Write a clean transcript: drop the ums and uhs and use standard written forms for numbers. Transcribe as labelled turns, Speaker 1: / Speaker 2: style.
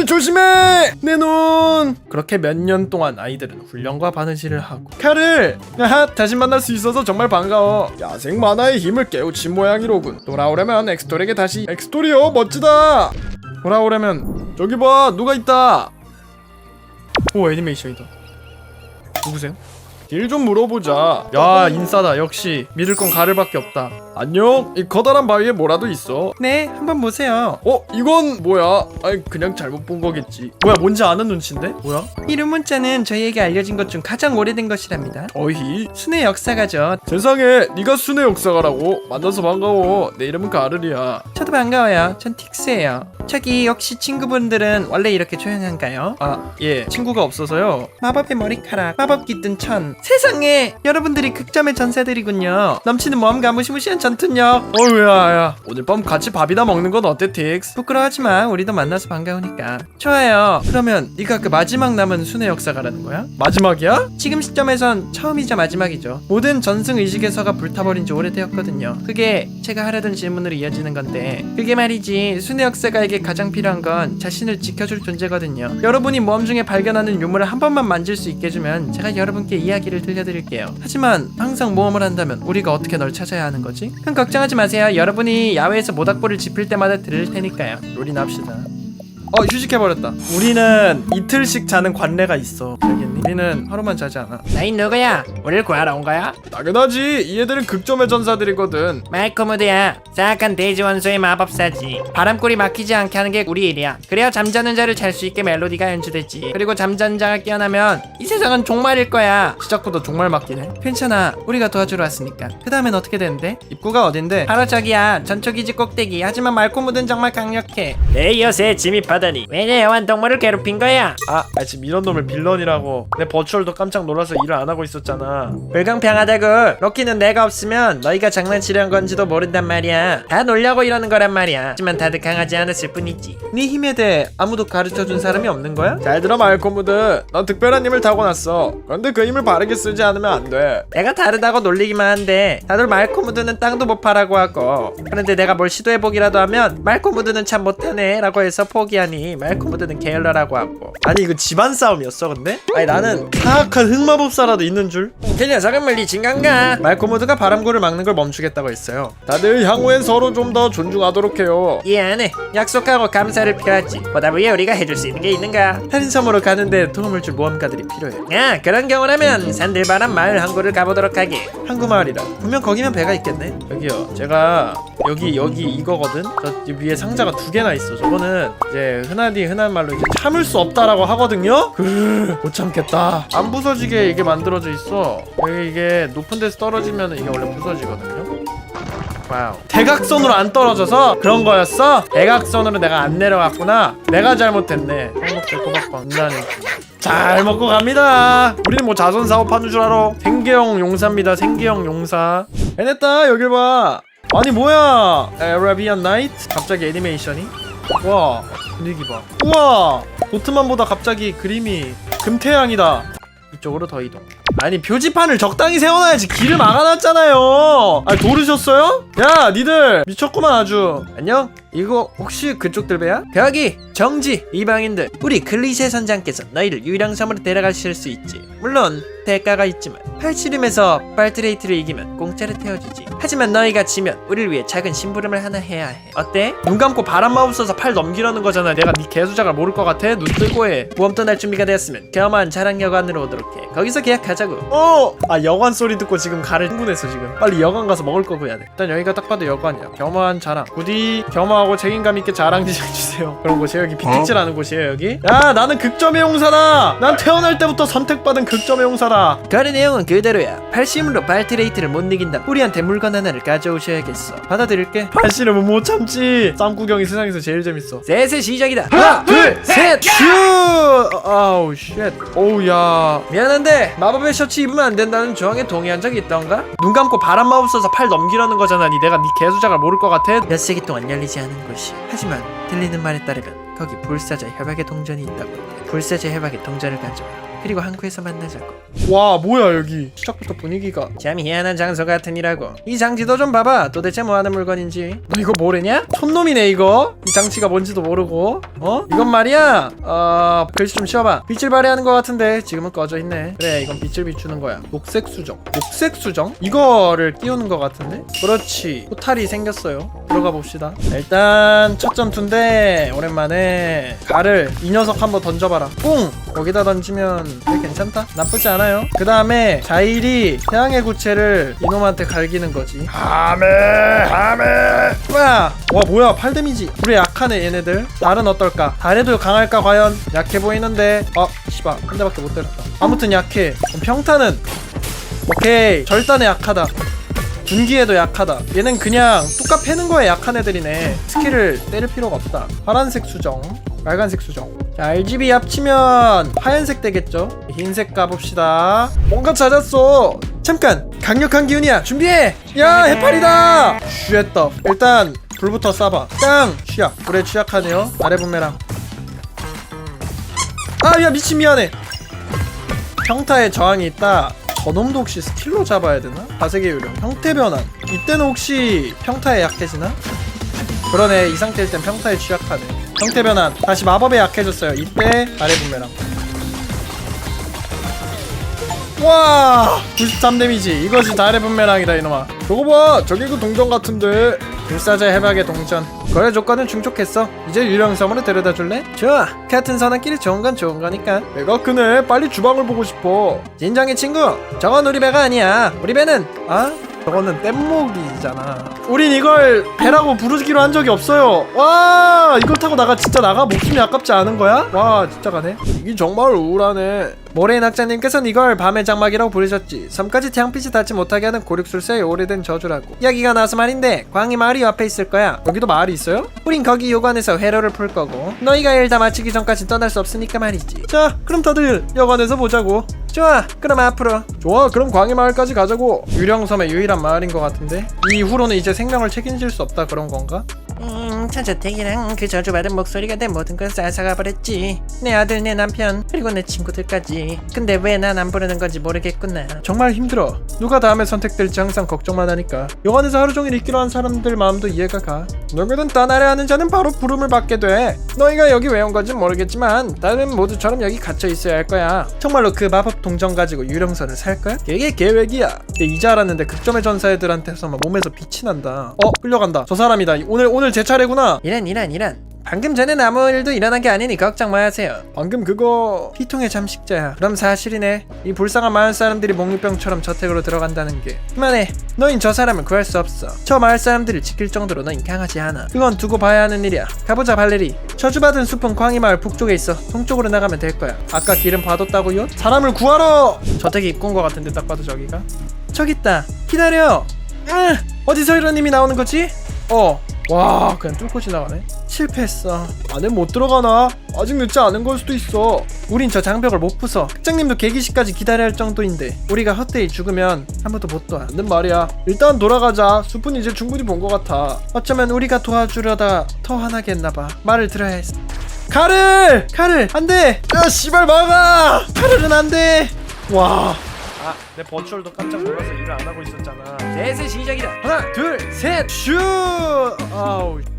Speaker 1: 조심해! 내 눈! 그렇게 몇 년 동안 아이들은 훈련과 바느질을 하고 칼을! 아하, 다시 만날 수 있어서 정말 반가워. 야생 만화의 힘을 깨우친 모양이로군. 돌아오려면 엑스토리에게 다시. 엑스토리요, 멋지다. 돌아오려면 저기 봐, 누가 있다. 오, 애니메이션이다. 누구세요? 길 좀 물어보자. 야, 인싸다. 역시 믿을 건 가를밖에 없다. 안녕? 이 커다란 바위에 뭐라도 있어? 네, 한번 보세요. 이건 뭐야? 아니, 그냥 잘못 본 거겠지. 뭐야, 뭔지 아는 눈치인데? 뭐야?
Speaker 2: 이름 문자는 저희에게 알려진 것 중 가장 오래된 것이랍니다.
Speaker 1: 어히?
Speaker 2: 순의 역사가죠.
Speaker 1: 세상에, 네가 순의 역사가라고? 만나서 반가워. 내 이름은 가를이야.
Speaker 2: 저도 반가워요. 전 틱스예요. 저기 혹시 친구분들은 원래 이렇게 조용한가요?
Speaker 1: 아, 예, 친구가 없어서요.
Speaker 2: 마법의 머리카락, 마법 깃든 천. 세상에, 여러분들이 극점의 전사들이군요. 넘치는 모험과 무시무시한 전투력.
Speaker 1: 어휴야, 오늘 밤 같이 밥이나 먹는 건 어때, 틱스?
Speaker 2: 부끄러워하지마. 우리도 만나서 반가우니까. 좋아요. 그러면 네가 그 마지막 남은 순의 역사가라는 거야?
Speaker 1: 마지막이야?
Speaker 2: 지금 시점에선 처음이자 마지막이죠. 모든 전승 의식에서가 불타버린 지 오래되었거든요. 그게 제가 하려던 질문으로 이어지는 건데, 그게 말이지, 순의 역사가에게 가장 필요한 건 자신을 지켜줄 존재거든요. 여러분이 모험 중에 발견하는 유물을 한 번만 만질 수 있게 해주면 제가 여러분께 이야기를 들려드릴게요. 하지만 항상 모험을 한다면 우리가 어떻게 널 찾아야 하는 거지? 큰 걱정하지 마세요. 여러분이 야외에서 모닥불을 지필 때마다 들을 테니까요.
Speaker 1: 롤이나 합시다. 휴식해버렸다. 우리는 이틀씩 자는 관례가 있어. 알겠니? 우리는 하루만 자지 않아.
Speaker 2: 나인 누구야? 우리를 구하러 온 거야?
Speaker 1: 당연하지. 이 애들은 극점의 전사들이거든.
Speaker 2: 말코무드야. 사악한 대지원소의 마법사지. 바람골이 막히지 않게 하는 게 우리 일이야. 그래야 잠자는 자를 잘 수 있게 멜로디가 연주되지. 그리고 잠자는 자가 깨어나면 이 세상은 종말일 거야.
Speaker 1: 시작부터 종말 맞기네.
Speaker 2: 괜찮아. 우리가 도와주러 왔으니까. 그 다음엔 어떻게 되는데?
Speaker 1: 입구가 어딘데?
Speaker 2: 바로 저기야. 전초기지 꼭대기. 하지만 말코무드는 정말 강력해. 내 엿에 침입하다니. 왜 내 애완동물을 괴롭힌 거야?
Speaker 1: 지금 이런 놈을 빌런이라고. 내 버추얼도 깜짝 놀라서 일을 안 하고 있었잖아.
Speaker 2: 불공평하다고. 럭키는 내가 없으면 너희가 장난치려는 건지도 모른단 말이야. 다 놀려고 이러는 거란 말이야. 하지만 다들 강하지 않았을 뿐이지.
Speaker 1: 네 힘에 대해 아무도 가르쳐준 사람이 없는 거야? 잘 들어, 말코무드. 넌 특별한 힘을 타고났어. 그런데 그 힘을 바르게 쓰지 않으면 안 돼.
Speaker 2: 내가 다르다고 놀리기만 한데 다들 말코무드는 땅도 못 파라고 하고, 그런데 내가 뭘 시도해보기라도 하면 말코무드는 참 못하네 라고 해서 포기하니 말코무드는 게을러라고 하고.
Speaker 1: 아니, 이거 집안 싸움이었어 근데? 아니, 나는 사악한 흑마법사라도 있는 줄.
Speaker 2: 그 녀석은 물리친 건가?
Speaker 1: 말코무드가 바람구를 막는 걸 멈추겠다고 했어요. 다들 향후엔 서로 좀 더 존중하도록 해요.
Speaker 2: 이해 안 해. 약속하고 감사를 표하지. 보다 위에 우리가 해줄 수 있는 게 있는가?
Speaker 1: 할인섬으로 가는데 도움을 줄 모험가들이 필요해.
Speaker 2: 그런 경우라면 산들바람 마을 항구를 가보도록 하게.
Speaker 1: 항구 마을이라. 분명 거기면 배가 있겠네. 여기요, 제가 여기 이거거든. 저 위에 상자가 2개나 있어. 저거는 이제 흔한 말로 이제 참을 수 없다라고 하거든요. 못 참겠다. 안 부서지게 이게 만들어져 있어. 이게 높은 데서 떨어지면 이게 원래 부서지거든요. 와우. 대각선으로 안 떨어져서 그런 거였어? 대각선으로 내가 안 내려갔구나. 내가 잘못했네. 한국대 꼬박빵 나는 잘 먹고 갑니다. 우리는 뭐 자선 사업하는 줄 알아. 생계형 용사입니다. 생계형 용사. 해냈다. 여길 봐. 아니 뭐야, 아라비안 나이트? 갑자기 애니메이션이? 와, 분위기 봐. 우와, 보트만보다 갑자기 그림이 금태양이다. 이쪽으로 더 이동. 아니, 표지판을 적당히 세워놔야지. 길을 막아놨잖아요. 도르셨어요? 야, 니들 미쳤구만 아주. 안녕? 이거 혹시 그쪽 들배야?
Speaker 2: 벽이 정지 이방인들. 우리 클리셰 선장께서 너희를 유령섬으로 데려가실 수 있지. 물론 대가가 있지만 팔씨름에서 발트레이트를 이기면 공짜로 태워주지. 하지만 너희가 지면 우리를 위해 작은 심부름을 하나 해야 해. 어때?
Speaker 1: 눈 감고 바람 마법 써서 팔 넘기라는 거잖아. 내가 네 개수작을 모를 것 같아? 눈 뜨고 해.
Speaker 2: 모험 떠날 준비가 되었으면 겸허한 자랑 여관으로 오도록 해. 거기서 계약하자고.
Speaker 1: 여관 소리 듣고 지금 가를 흥분했어. 지금 빨리 여관 가서 먹을 거 구해야 돼. 일단 여기가 딱 봐도 여관이야. 겸허한 자랑. 부디 겸허하고 책임감 있게 자랑지장 주세요. 그런 곳이에요. 여기 비틱질하는 곳이에요. 여기. 야, 나는 극점의 용사다. 난 태어날 때부터 선택받은 극점의 용사다.
Speaker 2: 거래 내용은 그대로야. 팔씨름으로 발트레이트를 못 이긴다. 우리한테 물건 하나를 가져오셔야겠어. 받아들일게.
Speaker 1: 팔씨름은 못 참지. 쌈구경이 세상에서 제일 재밌어.
Speaker 2: 셋의 시작이다.
Speaker 1: 하나, 둘, 셋, 슈! 아우 쉣. 오우야.
Speaker 2: 미안한데 마법의 셔츠 입으면 안 된다는 조항에 동의한 적이 있던가?
Speaker 1: 눈 감고 바람 마법 써서 팔 넘기라는 거잖아. 내가 네 개수작을 모를 것 같아?
Speaker 2: 몇 세기 동안 열리지 않은 곳이. 하지만 들리는 말에 따르면 거기 불사자 협약의 동전이 있다고 해. 불사자 협약의 동전을 가져와. 그리고 항구에서 만나자고.
Speaker 1: 와 뭐야 여기 시작부터 분위기가.
Speaker 2: 참 희한한 장소 같으니라고. 이 장치도 좀 봐봐. 도대체 뭐하는 물건인지. 너 이거 모르냐?
Speaker 1: 촌놈이네 이거. 이 장치가 뭔지도 모르고. 이건 말이야 글씨 좀 치워봐. 빛을 발휘하는 것 같은데 지금은 꺼져 있네. 그래 이건 빛을 비추는 거야. 녹색 수정. 녹색 수정? 이거를 끼우는 것 같은데? 그렇지. 포탈이 생겼어요. 들어가 봅시다. 일단 첫 전투인데 오랜만에 가를 이 녀석 한번 던져봐라. 뿡! 거기다 던지면 되게 괜찮다? 나쁘지 않아요. 그 다음에 자일이 태양의 구체를 이놈한테 갈기는 거지. 하메 와 뭐야 8데미지. 우리 약하네 얘네들. 달은 어떨까? 달에도 강할까 과연? 약해 보이는데 씨발 한 대밖에 못 때렸다. 아무튼 약해. 그럼 평타는 오케이 절단에 약하다. 분기에도 약하다. 얘는 그냥 뚜까 패는 거에 약한 애들이네. 스킬을 때릴 필요가 없다. 파란색 수정, 빨간색 수정. 자, RGB 합치면 하얀색 되겠죠? 흰색 가봅시다. 뭔가 찾았어. 잠깐! 강력한 기운이야. 준비해! 야, 해파리다! 슈했다. 일단 불부터 쏴봐. 땅! 취약. 불에 취약하네요. 아래 분매랑. 야 미친 미안해. 평타에 저항이 있다. 저놈도 혹시 스킬로 잡아야 되나? 가색의 요령, 형태 변환. 이때는 혹시 평타에 약해지나? 그러네. 이 상태일 땐 평타에 취약하네. 형태 변환. 다시 마법에 약해졌어요. 이때 아래 분매랑. 와 93 데미지. 이것이 달의 분매랑이다 이놈아. 저거 봐 저기 그 동전 같은데. 불사자 해박의 동전. 거래 조건은 충족했어. 이제 유령섬으로 데려다 줄래? 좋아. 같은 선한끼리 좋은 건 좋은 거니까. 배가 크네. 빨리 주방을 보고 싶어. 진정해 친구. 저건 우리 배가 아니야. 우리 배는 저거는 뗏목이잖아. 우린 이걸 배라고 부르기로 한 적이 없어요. 와 이걸 타고 진짜 나가? 목숨이 아깝지 않은 거야? 와 진짜 가네. 이게 정말 우울하네. 모래인 학자님께서는 이걸 밤의 장막이라고 부르셨지. 섬까지 태양빛이 닿지 못하게 하는 고륙술사의 오래된 저주라고. 이야기가 나와서 말인데 광희 마을이 옆에 있을 거야. 여기도 마을이 있어요? 우린 거기 요관에서 회로를 풀 거고 너희가 일 다 마치기 전까지 떠날 수 없으니까 말이지. 자 그럼 다들 여관에서 보자고. 좋아 그럼 앞으로. 좋아 그럼 광희 마을까지 가자고. 유령섬의 유일한 마을인 것 같은데 이후로는 이제 생명을 책임질 수 없다 그런 건가? 천저택이랑 그 저주받은 목소리가 내 모든 걸 앗아가 버렸지. 내 아들 내 남편 그리고 내 친구들까지. 근데 왜 난 안 부르는 건지 모르겠구나. 정말 힘들어. 누가 다음에 선택될지 항상 걱정만 하니까. 여관에서 하루 종일 있기로 한 사람들 마음도 이해가 가. 누구든 떠나려 하는 자는 바로 부름을 받게 돼. 너희가 여기 왜 온 건지 모르겠지만 다른 모두처럼 여기 갇혀 있어야 할 거야. 정말로 그 마법 동전 가지고 유령선을 살 거야? 그게 계획이야. 근데 이제 알았는데 극점의 전사 애들한테서 막 몸에서 빛이 난다. 끌려간다. 저 사람이다. 오늘 제 차례구나. 이란. 방금 전엔 아무 일도 일어난 게 아니니 걱정 마세요. 방금 그거 피통의 잠식자야. 그럼 사실이네. 이 불쌍한 마을 사람들이 몽유병처럼 저택으로 들어간다는 게. 그만해. 너흰 저 사람을 구할 수 없어. 저 마을 사람들을 지킬 정도로 너흰 강하지 않아. 그건 두고 봐야 하는 일이야. 가보자 발레리. 저주받은 숲은 광희 마을 북쪽에 있어. 동쪽으로 나가면 될 거야. 아까 길은 봐뒀다고요? 사람을 구하러. 저택이 입구인 것 같은데 딱 봐도 저기가. 저기 있다. 기다려. 어디서 이런 님이 나오는 거지? 와 그냥 뚫고 지나가네. 실패했어. 안에 못 들어가나? 아직 늦지 않은 걸 수도 있어. 우린 저 장벽을 못 부숴. 극장님도 개기시까지 기다려야 할 정도인데 우리가 헛되이 죽으면 아무도 못 도와. 맞는 말이야. 일단 돌아가자. 숲은 이제 충분히 본 것 같아. 어쩌면 우리가 도와주려다 더 화나게 했나봐. 말을 들어야 했어. 카를 안돼. 야 씨발 막아. 카를은 안돼. 와 내 버추얼도 깜짝 놀라서 일을 안 하고 있었잖아. 셋의 시작이다. 하나 둘 셋 슈. 아우